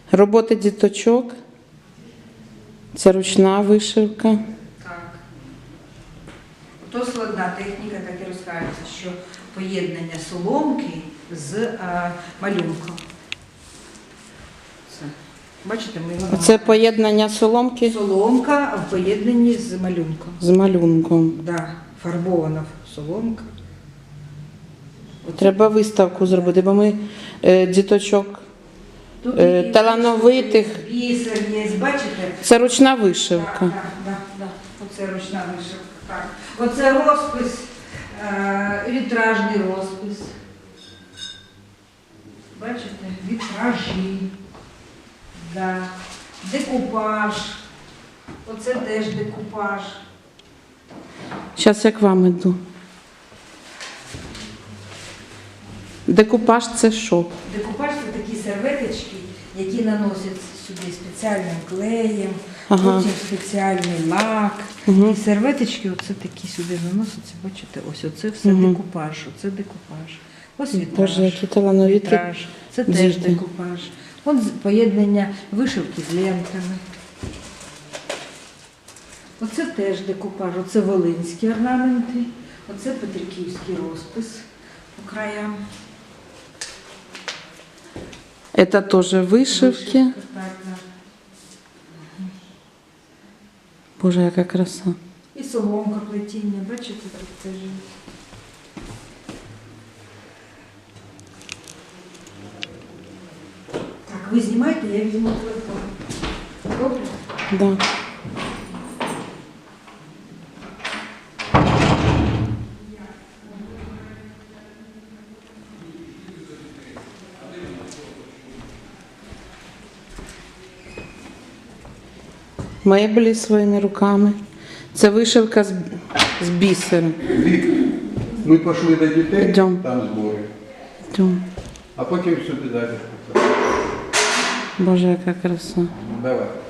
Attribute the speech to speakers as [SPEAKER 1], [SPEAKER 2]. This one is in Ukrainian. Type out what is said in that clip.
[SPEAKER 1] Роботи діточок. Це ручна вишивка.
[SPEAKER 2] Так. То складна техніка, так і розкажеться, що поєднання соломки з малюнком. Це. Бачите, ми
[SPEAKER 1] Це поєднання соломки
[SPEAKER 2] соломка в поєднанні з малюнком.
[SPEAKER 1] з малюнком.
[SPEAKER 2] Да, фарбована соломка.
[SPEAKER 1] Треба виставку зробити, бо ми діточок
[SPEAKER 2] Тут
[SPEAKER 1] талановитих.
[SPEAKER 2] бісер є, бачите?
[SPEAKER 1] Це ручна вишивка.
[SPEAKER 2] Так. Оце ручна вишивка. Так. Оце розпис, вітражний розпис. Бачите? Вітражі. Да. Декупаж. Оце теж декупаж.
[SPEAKER 1] Зараз я к вам іду. Декупаж це що?
[SPEAKER 2] Декупаж це такі серветочки, які наносять сюди спеціальним клеєм,
[SPEAKER 1] Ага.
[SPEAKER 2] потім спеціальний лак.
[SPEAKER 1] Угу.
[SPEAKER 2] І серветочки оце такі сюди наносяться, бачите, ось оце все
[SPEAKER 1] Угу.
[SPEAKER 2] декупаж, оце декупаж. Ось вітраж.
[SPEAKER 1] Боже, які талановиті
[SPEAKER 2] Вітраж. Це теж
[SPEAKER 1] діти.
[SPEAKER 2] декупаж. От поєднання вишивки з лентами. Оце теж декупаж, оце волинські орнаменти, оце петриківський розпис по краям.
[SPEAKER 1] Це теж вишивки.
[SPEAKER 2] Так, так.
[SPEAKER 1] Боже, яка краса.
[SPEAKER 2] І соломка плетіння, бачите, тут теж. Так, ви знімайте, я візьму телефон. Добре?
[SPEAKER 1] Да. Меблі своїми руками. Це вишивка з бісером.
[SPEAKER 3] Вік, ми пішли до дітей,
[SPEAKER 1] Йдем.
[SPEAKER 3] там збори,
[SPEAKER 1] Тьом.
[SPEAKER 3] а потім сюди далі.
[SPEAKER 1] Боже, яка краса.
[SPEAKER 3] Давай.